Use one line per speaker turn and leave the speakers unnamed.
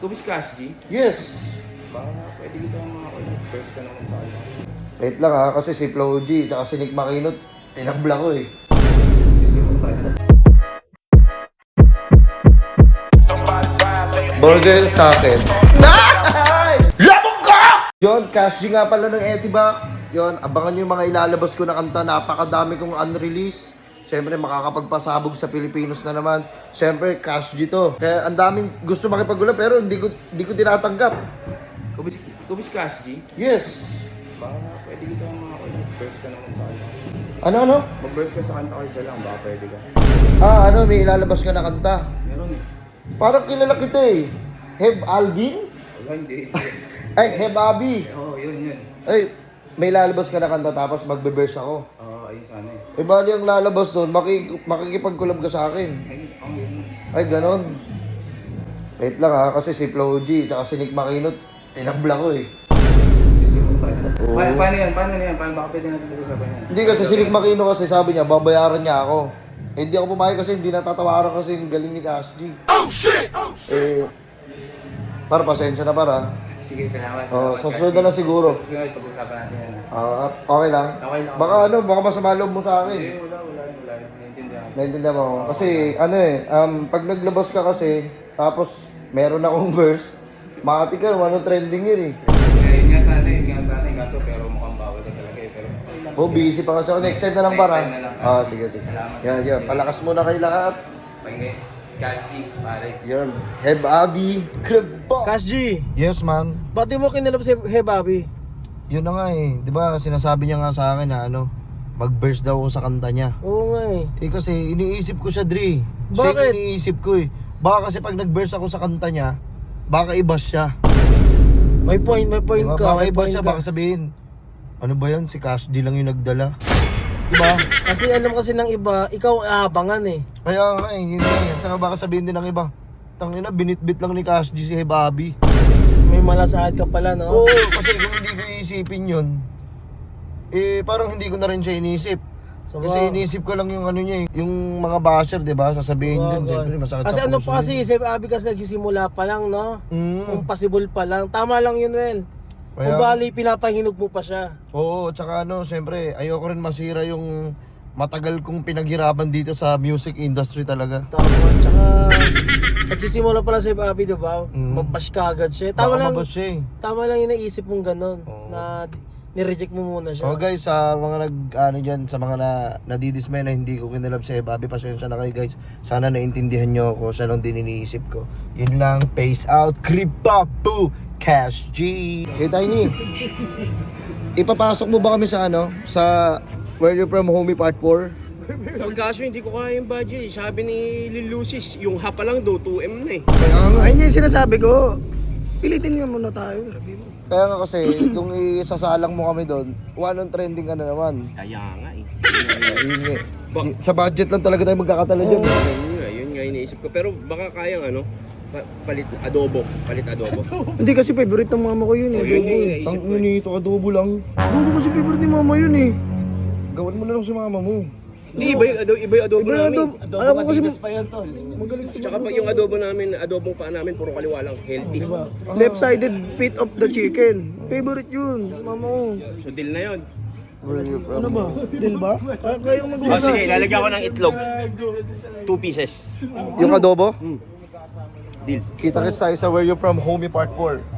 Ikaw si Cash G?
Yes.
Baka pwede kita mga first ka naman sa akin.
Wait lang ha, kasi si Flo G, tsaka si Nick Makinot, tinabla ko eh. Burger sa akin. Labog ka! Yun, Cash G nga pala ng Etiba. Yun, abangan nyo yung mga ilalabas ko na kanta. Napakadami kong unreleased. Siyempre, makakapagpasabog sa Pilipinos na naman. Siyempre, Cash G to. Kaya ang daming gusto makipagulap pero hindi ko tinatanggap.
Ikaw si Cash G?
Yes.
Baka pwede kita mga first ka naman sa akin.
Ano?
Mag-verse ka sa kanta ko isa lang, baka pwede ka.
May ilalabas ka na kanta.
Meron eh.
Parang kilala kita eh. Heb Alvin?
Wala, hindi.
Ay, Heb Abi.
Oo, yun.
Ay, may lalabas ka na kanta tapos magbe-verse ako.
Oo, ayun sana eh.
Eh, bali ang lalabas doon, makikipag-collab ka sa akin.
Yun.
Ay, ganon. Wait lang ha, kasi si Flo G, tsaka si Nick Makinot, tinabla ko eh. Oo.
Paano yan? Paano baka pwede natin pag-usapan yan?
Hindi kasi si Nick Makinot kasi sabi niya, babayaran niya ako. Eh, hindi ako pumayag kasi hindi natatawaran kasi yung galing ni Cash G. Oh shit! Para pasensya na para.
Sige, salamat.
Sa susunod na lang siguro.
Susunod, pag-usapan natin yan.
Okay lang.
Okay lang.
Baka masama loob mo sa akin.
Hindi, wala. Naiintindihan.
Naintindihan mo? Kasi pag naglabas ka kasi, tapos meron akong verse, makati ka, trending yun eh.
Yun nga sana eh. Kaso pero mukhang bawal ka talaga eh. Pero
Busy pa kasi ako. Next time na lang
Next
para.
time na lang.
Sige.
Salamat.
Yan. Palakas muna kayo lahat.
Pagin, Cash G, pare.
Yan. Heb Abi, Club Box.
Cash G,
Yes, man.
ba't di mo kinalab si Hebabi?
Yun na nga eh. Di ba, sinasabi niya nga sa akin na mag-verse daw ako sa kanta niya.
Oo nga eh.
Kasi iniisip ko siya, Dre.
Bakit?
Siya yung iniisip ko eh. Baka kasi pag nag-verse ako sa kanta niya, baka iba siya.
May point
Diba?
ka.
Baka
May
iba
point
siya,
ka.
baka sabihin, ano ba yan? Si Cash D lang yung nagdala. Diba?
Kasi alam kasi ng iba, ikaw aabangan eh.
Kaya nga eh, yun nga eh. Saka baka sabihin din ng iba, tangina, binitbit lang ni Cash G si Hebabi.
May malasahad ka pala, no?
Oo, kasi kung hindi ko iisipin yun, parang hindi ko na rin siya inisip. Kasi inisip ko lang yung niya eh, yung mga basher, diba? Sasabihin dun, siyempre masakit
Kasi
sa
ano
puso
pa kasi,
yun.
si Hebabi kasi nagsisimula pa lang, no? Kung possible pa lang. Tama lang yun, Well.
Kaya-
Kung bali, pinapahinog mo pa siya.
Oo, tsaka siyempre, ayoko rin masira yung matagal kong pinaghirapan dito sa music industry talaga.
Tama. Tsaka, nagsisimula pa lang si Hebabi, diba?
Mm.
Mabash ka agad siya.
Baka mabas siya eh.
Tama lang yung naisip mong ganun.
Oo.
Na nireject mo muna siya.
So guys, sa mga dyan, sa mga nadidismay na hindi ko kinalab si Hebabi, pasensya na kayo guys. Sana naintindihan nyo ako, siya lang din iniisip ko. Yun lang, peace out, Kripapu, Cash G. Hey Tiny, ipapasok mo ba kami sa sa Where You From Homie Part 4?
Ang kaso hindi ko kaya yung budget. Sabi ni Lil Lucis, yung ha pa lang daw 2M na eh.
Kaya nga,
Ayun yung sinasabi ko. Pilitin nga muna tayo, sabi mo.
kaya nga kasi, kung isasalang mo kami doon, walang trending ka na naman.
Kaya nga eh.
Yun nga. Sa budget lang talaga tayo magkakatala dyan.
Yun nga iniisip ko. Pero baka kayang palit adobo.
Hindi kasi favorite ng mama ko yun eh.
Oh, yun
Adobo
yung
eh.
iniisip
Ang
ko.
nito, adobo lang.
Adobo kasi favorite ni mama yun eh.
Gawin mo na lang si mama mo.
Hindi, iba yung adobo
Iba yung
namin.
adobo. Alam ko kasi magaling si
Tsaka pa yung adobo namin, adobong pa namin, puro kaliwa lang, healthy.
diba? Left-sided bit of the chicken. Favorite yun, mama ko.
So deal na yun.
Ano ba? Din ba? Kayong
Oh,
mag-uusap.
sige, lalagyan ko ng itlog. 2 pieces.
Yung adobo?
Deal.
Kita-kits tayo sa Where You From Homie Part 4.